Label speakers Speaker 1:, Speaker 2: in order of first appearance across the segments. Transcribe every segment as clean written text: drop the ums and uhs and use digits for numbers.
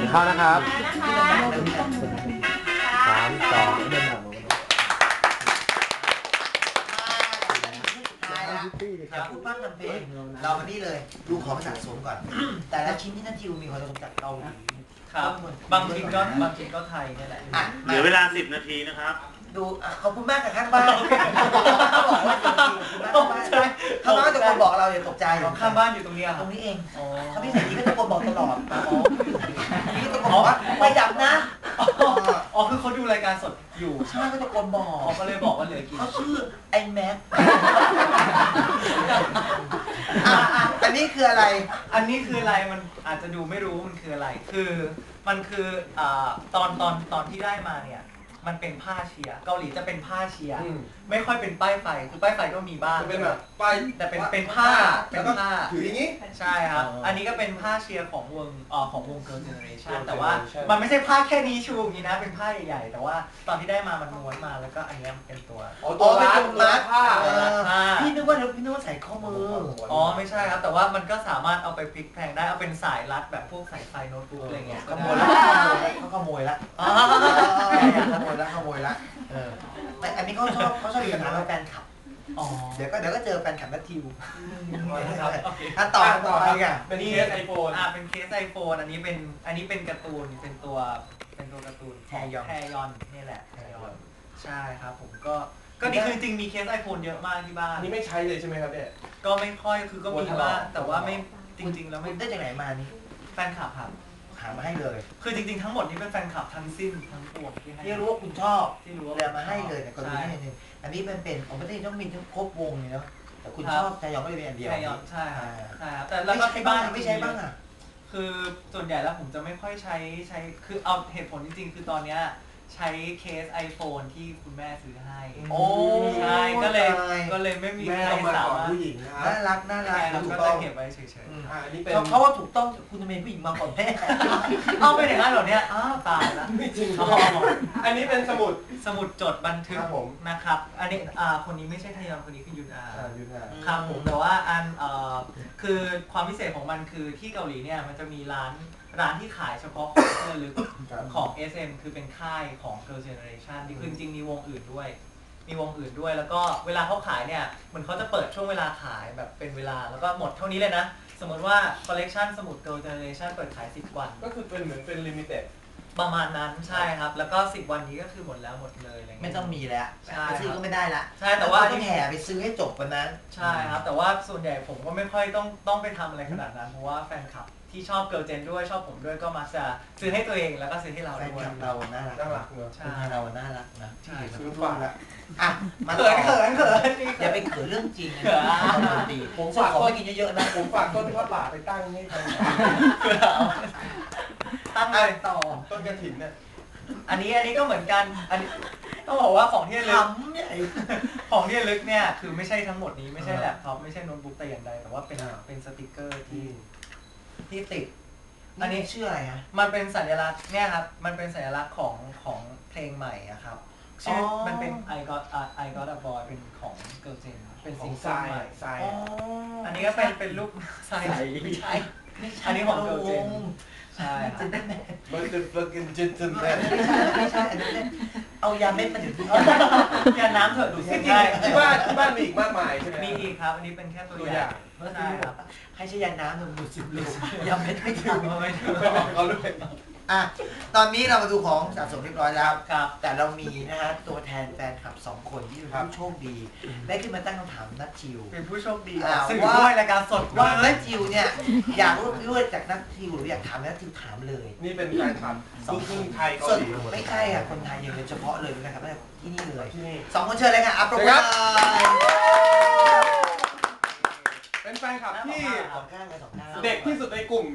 Speaker 1: เข้านะครับ3 2
Speaker 2: อย่าพูดมากนำเพลงเรามานี่เลยดูของสะสมก่อนแต่ละชิ้นที่นัททิวมีความสมจากเกาหลี
Speaker 3: ครับบางชิ้นก็ไทยนี่แหละ
Speaker 4: เหลือเวลา10 นาทีนะครับ
Speaker 2: ดูขอบคุณมากกับข้างบ้านเขาบอกว่าข้างบ้านตะโกนบอกเราอย่าตกใจ
Speaker 3: ข้างบ้านอยู่ตรงนี้
Speaker 2: ตรงนี้เองเขาพี่ใส่ดีก็ตะโกนบอกตลอดนี่ก็ตะโกนบอกว่าไม่ดับนะ
Speaker 3: อ๋อคือเขาดูรายการสดอยู่
Speaker 2: ใช่ก็ตะโกนบอก
Speaker 3: เขาก็เลยบอกว่าเหลือกี่
Speaker 2: เขาชื่อไอ้แม็กอันนี้คืออะไร
Speaker 3: อันนี้คืออะไรมันอาจจะดูไม่รู้มันคืออะไรคือมันคือตอนที่ได้มาเนี่ยมันเป็นผ้าเชียร์เกาหลีจะเป็นผ้าเชียร์ไม่ค่อยเป็นป้ายไฟคือป้ายไฟก็มีบ้าง
Speaker 1: เป็นแบบป้าย
Speaker 3: แต่เป็นผ้า
Speaker 1: ถืออย่างนี้
Speaker 3: ใช่ครับอันนี้ก็เป็นผ้าเชียร์ของวง Girl Generation แต่ว่ามันไม่ใช่ผ้าแค่นี้ชูอย่างนี้นะเป็นผ้าใหญ่ๆแต่ว่าตอนที่ได้มามันม้วนมาแล้วก็อันนี้เป็นตัว
Speaker 2: รัดผ้าพี่นึกว่าใส่ข้อมือ
Speaker 3: อ๋อไม่ใช่ครับแต่ว่ามันก็สามารถเอาไปพลิกแพลงได้เอาเป็นสายรัดแบบพวกสายไฟโน้ตบุ๊กอะไรเงี้ย
Speaker 2: ขโมยละเขาขโมยละขโมยละแต่อันนี้เขาชอบมีปัญหากับแฟนคลับเดี๋ยวก็เจอแฟนคลับนัททิวต่ออ่ะ
Speaker 3: เป็นเคสไอโฟนเป็นเคสไอโฟนอันนี้เป็นการ์ตูนเป็นตัวการ์ตูนแทยอนนี่แหละแทยอนใช่ครับผมก็นี่คือจริงมีเคสไอโฟนเยอะมากที่บ้าน
Speaker 1: นี่ไม่ใช้เลยใช่ไหมครับเนี่ย
Speaker 3: ก็ไม่ค่อยคือก็มีบ้างแต่ว่าไม่จริงๆแล้วไม่
Speaker 2: ได้จากไหนมานี่
Speaker 3: แฟนคลับครับ
Speaker 2: หามาให้เลย
Speaker 3: คือจริงๆทั้งหมดนี้เป็นแฟนคลับทั้งสิ้นทั้งปวง
Speaker 2: ที่รู้ว่าคุณชอบที่รู้แล้วมาให้เลยแต่ก็ดูนี่นึงอันนี้มันเป็นของประเทศต้องมีทั้งครบวงเลยเนาะแต่คุณชอบแทยอนก็เลยเป็นอันเดียว
Speaker 3: แทยอนใช่ครับแต่
Speaker 2: แล้วก็ที่บ้านไม่ใช้บ้างอ่ะ
Speaker 3: คือส่วนใหญ่แล้วผมจะไม่ค่อยใช้คือเอาเหตุผลจริงๆคือตอนเนี้ยใช้เคส iPhone ที่คุณแม่ซื้อให้
Speaker 2: โอ้
Speaker 3: ใช่ก็เลยไม่มีใครสามารถ
Speaker 1: ผู้หญิง
Speaker 2: น่ารัก
Speaker 3: ก็จะเก็บไว้เฉย
Speaker 2: ๆเขาว่าถูกต้องคุณทำไมผู้หญิงมาก่อนแม่
Speaker 3: เอาไปอย่างนั้นเหรอเนี่ยตายแล้ว
Speaker 1: ไม่จริงอันนี้เป็นสมุด
Speaker 3: จดบันทึกนะครับอันนี้คนนี้ไม่ใช่ทยอนคนนี้คือยุนอาครับผมแต่ว่าคือความพิเศษของมันคือที่เกาหลีเนี่ยมันจะมีร้านที่ขายเฉพาะของเสื้อลึกของ SM คือเป็นค่ายของ Girl Generation ที่คือจริงๆมีวงอื่นด้วยแล้วก็เวลาเขาขายเนี่ยเหมือนเขาจะเปิดช่วงเวลาขายแบบเป็นเวลาแล้วก็หมดเท่านี้เลยนะสมมติว่าคอลเลกชันสมุด Girl Generation เปิดขาย10 วัน
Speaker 1: ก็คือเป็นเหมือนเป็นลิมิเต็ด
Speaker 3: ประมาณนั้นใช่ครับแล้วก็10 วันนี้ก็คือหมดแล้วหมดเลยอะไรเงี้ย
Speaker 2: ไม่ต้องมีแล้วไปซื้อก็ไม่ได้ละ
Speaker 3: ใช่แต่ว่า
Speaker 2: ต้องแห่ไปซื้อให้จบวันนั้น
Speaker 3: ใช่ครับแต่ว่าส่วนใหญ่ผมก็ไม่ค่อยต้องไปทำอะไรขนาดนั้นเพราะว่าแฟนคลับที่ชอบเกิร์ลเจนด้วยชอบผมด้วยก็มาจะซื้อให้ตัวเองแล้วก็ซื้อให้เราด้วย
Speaker 2: แฟนคลับเราน่ารัก
Speaker 1: เนอะ
Speaker 2: ใช่เราน่ารักนะ
Speaker 3: ใช่
Speaker 1: ซื้อฟังละ
Speaker 2: มาเขินอย่าไปเขินเรื่องจริงนะดีผมฝากของกินเยอะๆนะ
Speaker 1: ผมฝากต้นทอดป่าไปตั้งให้
Speaker 3: ตั้งเลยต่อ
Speaker 1: ต้นกระถิ่นเนี่ย
Speaker 3: อันนี้ก็เหมือนกันอันนี้ต้องบอกว่าของที่ลึกของที่ลึกเนี่ยคือไม่ใช่ทั้งหมดนี้ไม่ใช่แล็ปท็อปไม่ใช่โน้ตบุ๊กแต่อย่างใดแต่ว่าเป็นสติกเกอร์ที่ติด
Speaker 2: อันนี้ชื่ออะไรฮะ
Speaker 3: มันเป็นสัญลักษณ์เนี่ยครับมันเป็นสัญลักษณ์ของเพลงใหม่อะครับชื่อมันเป็น I Got a Boy เป็นของ Girl Gen เป็นซิงเกิลใหม่อันนี้ก็เป็นรูปทรายไม่ใช่อันนี้ของ Girl Gen ใช่ครับ
Speaker 2: ไม่ใช่อันนี้เอายาเม็ดมาถึง
Speaker 3: ยาน้ำเถอะดูสิ
Speaker 1: ที่บ้านมีอีกมากมายใช่ไหม
Speaker 3: มีอีกครับอันนี้เป็นแค่ตัวอย่างใช่ครับ
Speaker 2: ให้ใช้ยาน้ำหนึ่งดูสิบลูกยาเม็ดไม่ถึง
Speaker 1: ไม่บอกเขาด้วย
Speaker 2: ตอนนี้เรามาดูของสะสมเรียบร้อยแล้ว
Speaker 3: ครับ
Speaker 2: แต่เรามีนะฮะตัวแทนแฟนคลับ2 คนที่เป็นผู้โชคดีได้ขึ้นมาตั้งคำถามนัททิว
Speaker 3: เป็นผู้โชคดีซึ่งด้วยรายการสด
Speaker 2: ว่านัททิวเนี่ยอยากรู้จากนัททิวหรืออยากถามนัททิวถามเลย
Speaker 1: นี่เป็นแฟนคลับลูกครึ่งไทยเกาหลี
Speaker 2: ไม่ใช่อ่ะคนไทยอย่างเฉพาะเลยนะครับที่นี่เลย2 คนเชิญเลยค่ะอัปโปรโมท
Speaker 1: เป็นแฟนคลับที่
Speaker 2: เด็
Speaker 1: กที่สุดในกลุ่ม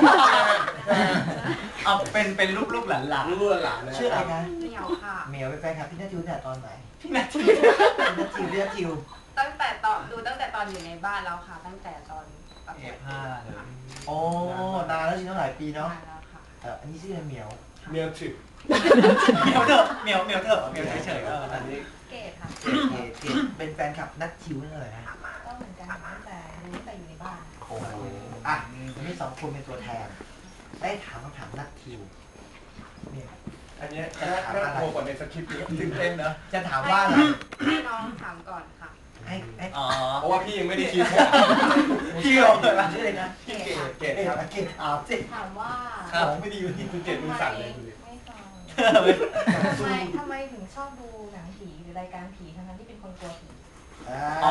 Speaker 3: เอาเป็นลูกหลาน
Speaker 2: ชื่ออะไรนะ
Speaker 5: เหมียวค่ะ
Speaker 2: เหมียวเป็นแฟนคลับพี่นัททิวเนี่ยตอนไหน
Speaker 3: พี่นัททิ
Speaker 2: ว
Speaker 5: ตั้งแต่ตอนอยู่ในบ้านแล้วค่ะตั้งแต่ตอนประกวด
Speaker 2: โอ้นานแล้วจริงๆหลายปีเนาะอันนี้ชื่ออะไรเหมียว
Speaker 1: ถึก
Speaker 3: เหมียวเถอะเหมียวเฉยๆ
Speaker 5: อันนี้เกดค่ะ
Speaker 2: เกดเป็นแฟนคลับนัททิวนั่นเลยนะ
Speaker 5: ก็เหมือนกันตั้งแต่อยู่ในบ้าน
Speaker 2: โอ้โหนี่2 คนเป็นตัวแทนได้ถามคำถามนักทิวเนี่ย
Speaker 1: อันเนี้ยน่ากลัวกว่าในสคริปต์เยอะตื่นเต้นนะ
Speaker 2: จะถามว่าอะไร
Speaker 5: ให้น้องถามก่อนค่ะ
Speaker 2: ให้
Speaker 3: อ๋อ
Speaker 1: เพราะว่าพี่ยังไม่ได้คิด
Speaker 2: พี่เราเกิดมาชื่ออะไรนะ
Speaker 1: พี่เกดครับ
Speaker 2: เกตถามสิ
Speaker 5: ถามว่า
Speaker 1: ของไม่ดีอยู่ที่คุณเกดมือสั่นเลยดูดิ
Speaker 5: ไม่ฟังทำไมถึงชอบดูหนังผีหรือรายการผีทั้งที่เป็นคนกลัวผี
Speaker 3: อ๋อ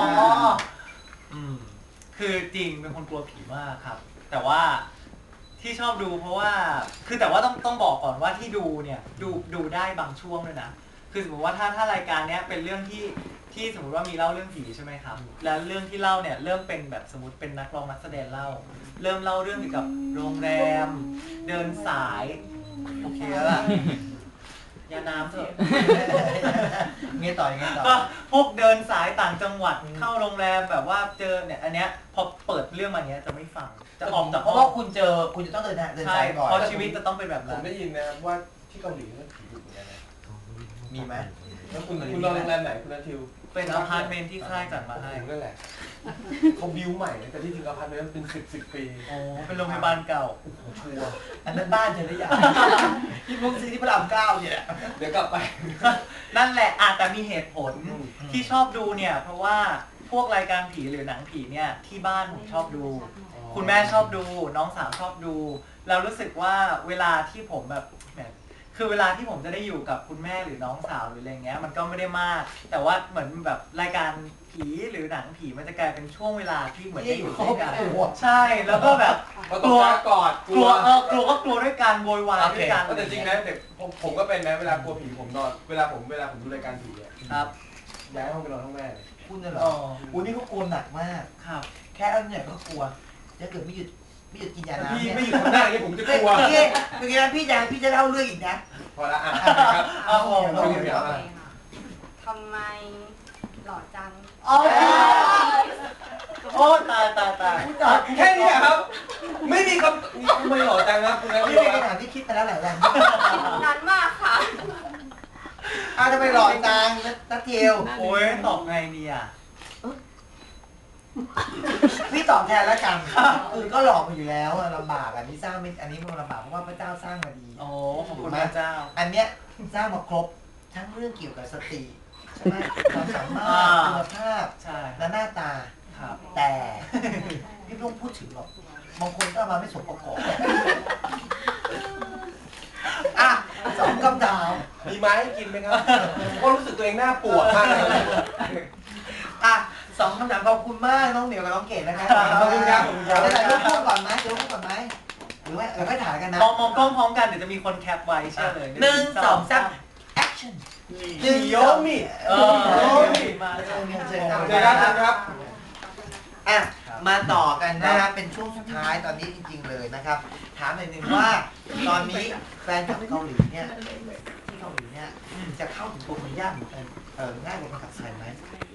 Speaker 3: คือจริงเป็นคนกลัวผีมากครับ แต่ว่าที่ชอบดูเพราะว่าคือแต่ว่าต้องบอกก่อนว่าที่ดูเนี่ยดูได้บางช่วงด้วยนะคือสมมติว่าถ้ารายการเนี้ยเป็นเรื่องที่สมมติว่ามีเล่าเรื่องผีใช่ไหมครับแล้วเรื่องที่เล่าเนี่ยเริ่มเป็นแบบสมมติเป็นนักร้องนักแสดงเล่าเริ่มเล่าเรื่องเกี่ยวกับโรงแรมเดินสายโอเคแล้วล่ะยาน้ำเถอะ
Speaker 2: ไงต่อยังไงต่อ
Speaker 3: ก็พวกเดินสายต่างจังหวัดเข้าโรงแรมแบบว่าเจอเนี่ยอันเนี้ยพอเปิดเรื่องมาเนี้ยจะไม่ฟังจะออกจาก
Speaker 2: เพราะว่าคุณจะต้องเดิน
Speaker 3: ใช่
Speaker 2: สายก่อน
Speaker 3: เพราะชีวิตจะต้องเป็นแบบ
Speaker 1: ผ
Speaker 3: นั้
Speaker 1: ม
Speaker 3: น
Speaker 1: ได้ยินนะครับว่าที่เกาหลีเรื่องผีดุเหมือนกันนะ
Speaker 2: มีไหม
Speaker 1: แล้วคุณนอนโรงแรมไหนคุณนัททิว
Speaker 3: เป็นอพาร์ตเมนต์ที่ค่ายจัดมาให้
Speaker 1: นั่นแหละเขาบิวใหม่นะแต่ที่จริงอพาร์ตเมนต์มันเป็น10 ปี
Speaker 3: โอ้เป็นโรงพยาบาลเก่า
Speaker 1: ชัวร์
Speaker 2: อันนั้นบ้านเธอหรือยังที่พวกซื้อที่พระราม9เนี่ย
Speaker 1: เดี๋ยวกลับไป
Speaker 3: นั่นแหละแต่มีเหตุผล
Speaker 1: อืม
Speaker 3: ที่ชอบดูเนี่ยเพราะว่าพวกรายการผีหรือหนังผีเนี่ยที่บ้านผมชอบดู คุณแม่ชอบดูน้องสาวชอบดูเรารู้สึกว่าเวลาที่ผมแบบคือเวลาที่ผมจะได้อยู่กับคุณแม่หรือน้องสาวหรืออะไรเงี้ยมันก็ไม่ได้มาก แต่ว่าเหมือนแบบรายการผีหรือหนังผีมันจะกลายเป็นช่วงเวลาที่เหมือนได้อยู่ด้วยกันใช่แล้วก็แบบ
Speaker 1: ก็ต้องกล้ากอด
Speaker 3: กลัวก็กลัวด้วยกันโวยวายด้วยกัน
Speaker 1: แต่จริงนะเด็กผมก็เป็นนะเวลากลัวผีผมนอนเวลาผมดูรายการผีอะ
Speaker 3: ครับ
Speaker 1: ย้ายห้องไปนอนห้องแม่เลย
Speaker 2: คุณน่ะเหรออุ้ยนี่เขากลัวหนักมาก
Speaker 3: ครับ
Speaker 2: แค่อันเนี่ยก็กลัวถ้าเกิดไม่หยุดกินยาน้ำ
Speaker 1: พี่
Speaker 2: เนี่ย
Speaker 1: ไม่อยู่ข้างหน้าอย่างนี้ผมจะกลัว
Speaker 2: เมื่อกี้พี่จะเล่าเรื่องอีกนะ
Speaker 1: พอละอ่ะครับ
Speaker 3: เอาผม
Speaker 1: เอาเดี๋ยว
Speaker 5: โอเคค่ะทำไมหล่อจัง
Speaker 3: โอ้ตาย
Speaker 1: แค่นี้อะครับ ไม่มีคำไม่หล่อจังนะคุณนัททิ
Speaker 2: นี่
Speaker 1: ว
Speaker 2: เป็น
Speaker 1: ครับ
Speaker 2: คำถามที่คิดมาแล้วหลายวัน
Speaker 5: นานมากค่ะ
Speaker 2: ทำไมหล่อจังนัทเทียว
Speaker 3: โอ้ยตอบไงดีอ่ะ
Speaker 2: พี่ตอบแทนแล้วกันก็หล่อมาอยู่แล้วลำบากอันนี้สร้างไม่อันนี้มันลำบากเพราะว่าพระเจ้าสร้างมาดี
Speaker 3: โอ้ขอบคุณพระเจ้า
Speaker 2: อันเนี้ยสร้างมาครบทั้งเรื่องเกี่ยวกับสติใช่ไหมความสามารถคุณภาพ
Speaker 3: ใช่
Speaker 2: และหน้าตา
Speaker 3: ครับ
Speaker 2: แต่พี่ไม่ต้องพูดถึงหรอกบางคนก็เอามาไม่สมประกอบอ่ะสองคำถาม
Speaker 1: มีไม้ให้กินไหมครับก็รู้สึกตัวเองหน้าปวดมากเลย
Speaker 2: อ่ะสองคำถามขอบคุณมากน้องเหมียวกับน้องเกดนะครับ
Speaker 1: ขอบคุณครับขอบคุณครับ
Speaker 2: จะถ่ายรูปคู่ก่อนไหมจะรูปคู่ก่อนไหมหรือว่าค่อยถ่ายกันนะ
Speaker 3: มองกล้องพร้อมกันเดี๋ยวจะมีคนแคปไว้เชื่อเลย
Speaker 2: 1 2 3 action
Speaker 1: โยมิ
Speaker 3: มาเลย
Speaker 2: เจอกัน
Speaker 1: เจอกันครับ
Speaker 2: อ่ะมาต่อกันนะครับเป็นช่วงสุดท้ายตอนนี้จริงๆเลยนะครับถามหน่อยหนึ่งว่าตอนนี้แฟนคลับเกาหลีเนี่ยที่เกาหลีเนี่ยจะเข้าถึงตัวคนยากเหมือนกันง่ายกว่าคนขับไทยไหม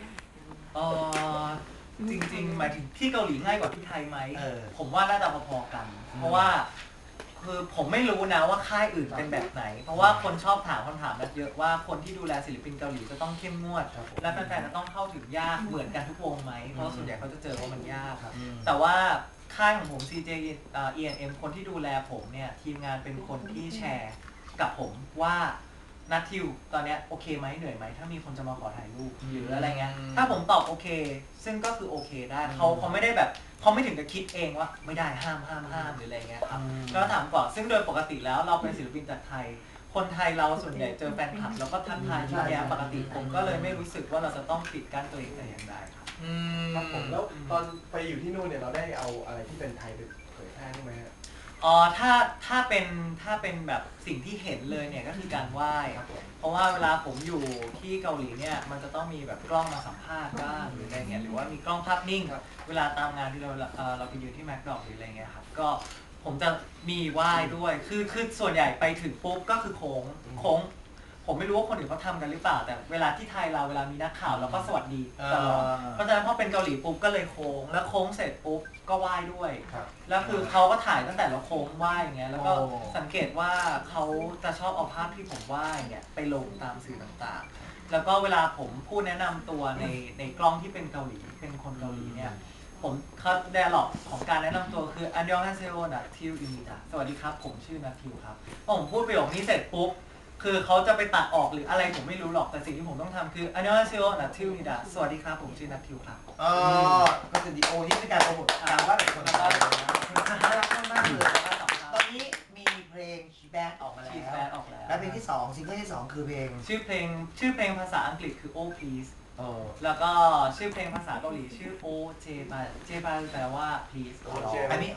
Speaker 3: จริงๆหมายถึงที่เกาหลีง่ายกว่าที่ไทยไหม
Speaker 2: เออ
Speaker 3: ผมว่าน่าจะพอๆกัน เพราะว่าคือผมไม่รู้นะว่าค่ายอื่นเป็นแบบไหน เพราะว่าคนชอบถามคำถามแบบเยอะว่าคนที่ดูแลศิลปินเกาหลีจะต้องเข้มงวด และแฟนๆจะต้องเข้าถึงยากเหมือนกันทุกวงไหม เพราะส่วนใหญ่เขาจะเจอว่ามันยากครับ แต่ว่าค่ายของผม CJ E&M คนที่ดูแลผมเนี่ยทีมงานเป็นคนที่แชร์กับผมว่านัททิวตอนเนี้ยโอเคไหมเหนื่อยไหมถ้ามีคนจะมาขอถ่ายรูปหรืออะไรเงี้ยถ้าผมตอบโอเค ซึ่งก็คือโอเคได้เขาไม่ได้แบบเขาไม่ถึงกับคิดเองว่าไม่ได้ห้ามหรืออะไรเงี้ยครับแล้วถามก่อนซึ่งโดยปกติแล้วเราเป็นศิลปินจากไทย คนไทยเราส่วนใหญ่เจอแฟนคลับแล้วก็ทักทายยิ้มแย้มปกติผมก็เลยไม่รู้สึกว่าเราจะต้องปิดกั้นตัวเองแต่อย่างใดครับ
Speaker 1: ครับผมแล้วตอนไปอยู่ที่นู่นเนี่ยเราได้เอาอะไรที่เป็นไทยไปเผยแพร่ไหมฮะ
Speaker 3: ถ้าเป็นแบบสิ่งที่เห็นเลยเนี่ยก็คือการไหว้เพราะว่าเวลาผมอยู่ที่เกาหลีเนี่ยมันจะต้องมีแบบกล้องมาสัมภาษณ์บ้างหรืออะไรเงี้ยหรือว่ามีกล้องภาพนิ่งเวลาตามงานที่เราไปยืนที่แมคดอกหรืออะไรเงี้ยครับก็ผมจะมีไหว้ด้วยคือส่วนใหญ่ไปถึงปุ๊บก็คือโค้งผมไม่รู้ว่าคนอื่นเขาทำกันหรือเปล่าแต่เวลาที่ไทยเราเวลามีนักข่าวเราก็สวัสดีตลอดเพราะฉะนั้นพอเป็นเกาหลีปุ๊บก็เลยโค้งแล้วโค้งเสร็จปุ๊บก็ไหว้ด้วย แล้วคือเขาก็ถ่ายตั้งแต่เราโค้งไหว้อย่างเงี้ยแล้วก็สังเกตว่าเขาจะชอบเอาภาพที่ผมไหว้เนี่ยไปลงตามสื่อต่างๆแล้วก็เวลาผมพูดแนะนำตัวในกล้องที่เป็นเกาหลีเป็นคนเกาหลีเนี่ยผมเขาไดอะล็อกของการแนะนำตัวคืออันยองฮาเซโอนัททิวอิมิตะสวัสดีครับผมชื่อนัททิวครับพอผมพูดประโยคนี้เสร็จปุ๊บคือเขาจะไปตัดออกหรืออะไรผมไม่รู้หรอกแต่สิ่งที่ผมต้องทำคืออันยองฮาเซโอนัททิวอิมิตะสวัสดีครับผมชื่อนัททิวครับ
Speaker 2: อ๋อก็คือดีโอนี่เป็นการโปรโมทการว่าแบบคนเราน่ารักมากๆเลยตอนนี้มีเพลงชีแบดออกมาแล้ว
Speaker 3: ชีแบดออกแล้ว
Speaker 2: และเพลงที่2ซิงเกิลที่2คือเพลง
Speaker 3: ชื่อเพลงภาษาอังกฤษคือ Oh Please แล้วก็ชื่อเพลงภาษาเกาหลีชื่อ โอเจบาแปลว่า please
Speaker 2: อันนี้อ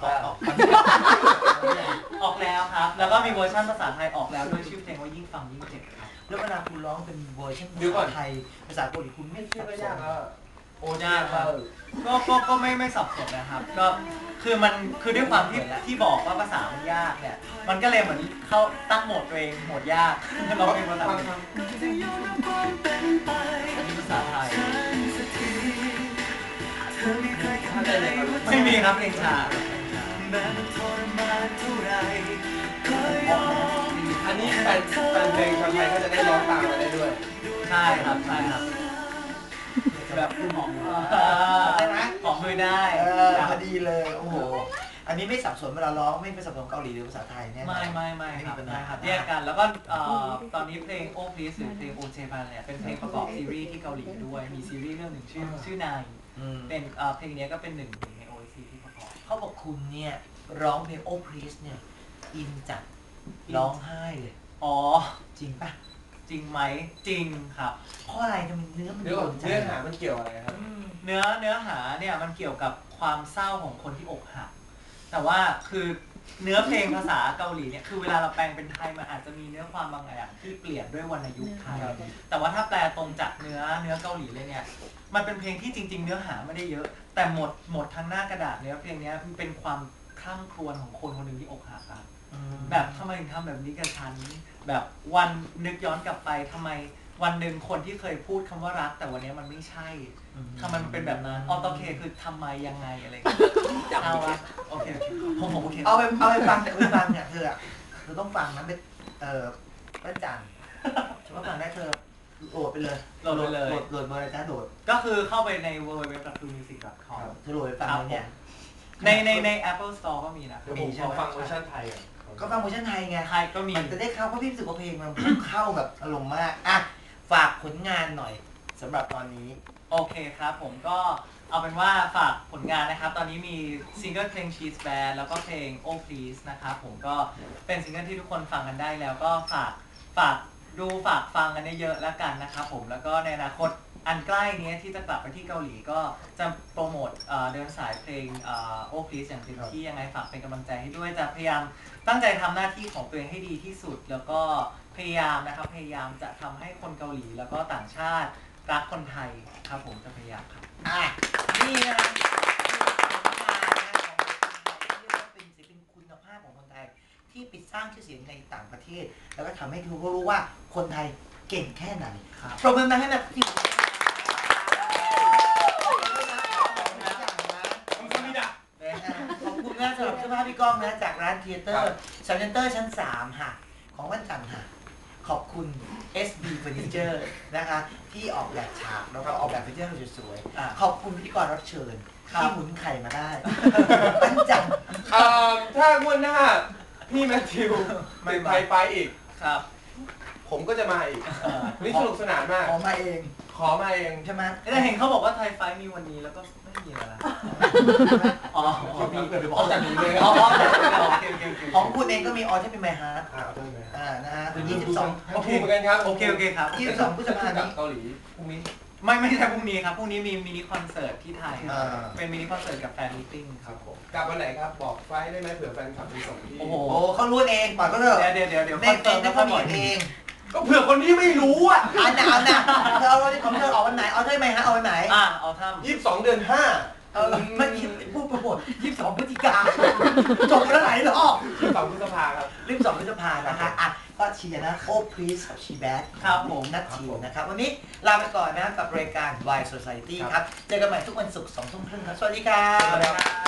Speaker 2: อก
Speaker 3: แล้วครับแล้วก็มีเวอร์ชันภาษาไทยออกแล้วด้วยชื่อเพลงว่ายิ่งฟังยิ่งเจ็บครับ
Speaker 2: แล้วเวลาคุณร้องเป็นเวอร์ชันภาษาไทยภาษาเกาหลีคุณไม่ชื่อก็ยากแล้ว
Speaker 1: โอ้ยากครับ
Speaker 3: ก็ไม่สับสนนะครับก็คือมันคือด้วยความที่บอกว่าภาษามันยากเนี่ยมันก็เลยเหมือนเขาตั้งโหมดตัวเองโหมดยากเราเป็นภาษาภาษาไทยไม่มีครับเพลงชา
Speaker 1: อันนี้แฟนเพลงชาวไทยก็จะได้ร้องตามมาได้ด้วย
Speaker 3: ใช่ครับแบบหอม
Speaker 2: ได้ไหม
Speaker 3: หอมมือได้
Speaker 2: พอดีเลยโอ้โหอันนี้ไม่สับสนเวลาร้องไม่เป็นสับสนเกาหลีหรือภาษาไทยเนี่ย
Speaker 3: ไม่ครับแยกกันแล้วก็ตอนนี้เพลง Oh Please หรือเพลง โอเจบันเนี่ยเป็นเพลงประกอบซีรีส์ที่เกาหลีด้วยมีซีรีส์เรื่องหนึ่งชื่อนายเป็นเพลงนี้ก็เป็นหนึ่งใน OST ที่ประกอบ
Speaker 2: เขาบอกคุณเนี่ยร้องเพลง Oh Please เนี่ยอินจัดร้องไห้เลย
Speaker 3: อ๋อ
Speaker 2: จริงป่ะ
Speaker 3: จริงไหมจริงครับ
Speaker 2: เพราะอะไรทำไมเนื้อมัน
Speaker 1: เนื้อหามันเกี่ยวอะไรครับ
Speaker 3: เนื้อหาเนี่ยมันเกี่ยวกับความเศร้าของคนที่อกหักแต่ว่าคือเนื้อเพลงภาษาเกาหลีเนี่ยคือเวลาเราแปลงเป็นไทยมันอาจจะมีเนื้อความบางอย่างที่เปลี่ยนด้วยวรรณยุกต์ไทยแต่ว่าถ้าแปลตรงจากเนื้อเกาหลีเลยเนี่ยมันเป็นเพลงที่จริงๆเนื้อหาไม่ได้เยอะแต่หมดทั้งหน้ากระดาษเนื้อเพลงนี้มันเป็นความคร่ำครวญของคนคนหนึ่งที่อกหักครับแบบทำไมถึงทำแบบนี้กับฉันแบบวันนึกย้อนกลับไปทำไมวันหนึ่งคนที่เคยพูดคำว่ารักแต่วันนี้มันไม่ใช่ทำไมมันเป็นแบบนั้นออโตเคคือทำไมยังไงอะไรเอาละโอเคผมโอเค
Speaker 2: เอาไปฟังเนี่ยเธอต้องฟังนะเป็นป้าจันฉันว่าฟังได้เธอโหลดไปเลยโหลดเบอร์อะไรจ้าโหลด
Speaker 3: ก็คือเข้าไปใน www.music.com
Speaker 2: เธอโหลดไปฟังเนี่ย
Speaker 3: ใน Apple Store ก็มีนะ
Speaker 1: มีใช่ไหมฟังเวอร์ชันไทย
Speaker 2: ก็ฟังเวอร์ชันไทยไง
Speaker 3: ไทยก็มี
Speaker 2: มันจะได้เข้าเพราะพี่รู้สึกว่าเพลงมันเข้าแบบอารมณ์มากอ่ะฝากผลงานหน่อยสำหรับตอนนี้
Speaker 3: โอเคครับผมก็เอาเป็นว่าฝากผลงานนะครับตอนนี้มีซิงเกิลเพลง Cheese Band แล้วก็เพลง Oh Please นะครับผมก็เป็นซิงเกิลที่ทุกคนฟังกันได้แล้วก็ฝากดูฝากฟังกันเยอะๆแล้วกันนะครับผมแล้วก็ในอนาคตอันใกล้นี้ที่จะกลับไปที่เกาหลีก็จะโปรโมทเดินสายเพลงOh Please อย่างเต็มที่ยังไงฝากเป็นกำลังใจให้ด้วยจะพยายามตั้งใจทำหน้าที่ของตัวเองให้ดีที่สุดแล้วก็พยายามจะทำให้คนเกาหลีแล้วก็ต่างชาติรักคนไทยครับผมจะพยายามครับ
Speaker 2: นี่นะเป็นศิลปินคุณภาพของคนไทยที่ไปสร้างชื่อเสียงในต่างประเทศแล้วก็ทำให้ทุกคนรู้ว่าคนไทยเก่งแค่ไหนปรบมือมาให้แบบที่ขอบคุณนะสำหรับเสื้อผ้าพี่ก้องนะจากร้านเทเตอร์ซันเตอร์ชั้น3ค่ะของวันจันทร์ค่ะขอบคุณ SB Furniture นะคะที่ออกแบบฉากแล้วก็ออกแบบเฟอร์นิเจอร์สวยๆขอบคุณพิธีกรรับเชิญที่หมุนไข่มาได้วันจันทร์
Speaker 1: ถ้างวดหน้าพี่แมทธิวไม่ไปอีก
Speaker 3: ครับ
Speaker 1: ผมก็จะมาอีกนี่สนุกสนานมาก
Speaker 2: ขอมาเอง
Speaker 3: ใช่ไหมแต่เห็นเขาบอกว่าไทยไฟมีวันนี้แล้วก็ไม่มีอะไรละอ๋อ
Speaker 1: พี่เกิดไปบอกจัดนี้เลย
Speaker 2: ของคุณเองก็มีออที่เป็นไมฮาร์ดนะฮะ22
Speaker 1: โอเคเหมือนกันครับ
Speaker 3: โอเคครับ
Speaker 2: 22พฤษภาคมนี้
Speaker 1: เกาหลีพรุ่งนี้
Speaker 3: ไม่ใช่พรุ่งนี้ครับพรุ่งนี้มีมินิคอนเสิร์ตที่ไทยเป็นมินิคอนเสิร์ตกับแฟนมิทติ้ง
Speaker 1: ครับผมกลับวันไหนครับบอกไฟได้ไหมเผื่อแฟนคลับไปส่งที่
Speaker 2: โอ้โหเขารู้เองปล่อยก็เถอะ
Speaker 3: เดี๋ยวคอนเสิร์ต
Speaker 2: เขาบอกเอง
Speaker 1: ก็เผื่อคนที่ไม่รู้อ่ะ
Speaker 2: เอาหนาเธอเอาของเธอออกวันไหนเอาได้ไหมฮะเอาวันไหน
Speaker 3: เอาท
Speaker 1: ำ22 เดือน 5
Speaker 2: เมื่อกี้พูดโปรโมท22 พฤศจิกาจบแล้วไหนหรอ
Speaker 1: 22 พฤษภาครับ
Speaker 2: 22 พฤษภานะคะอ่ะก็เชียร์นะ Oh Please กับ She Bad
Speaker 3: ครับผม
Speaker 2: นัททิวนะครับวันนี้ลาไปก่อนนะกับรายการ Why Society ครับเจอกันใหม่ทุกวันศุกร์ 20:30 ครับสวัสดีครับ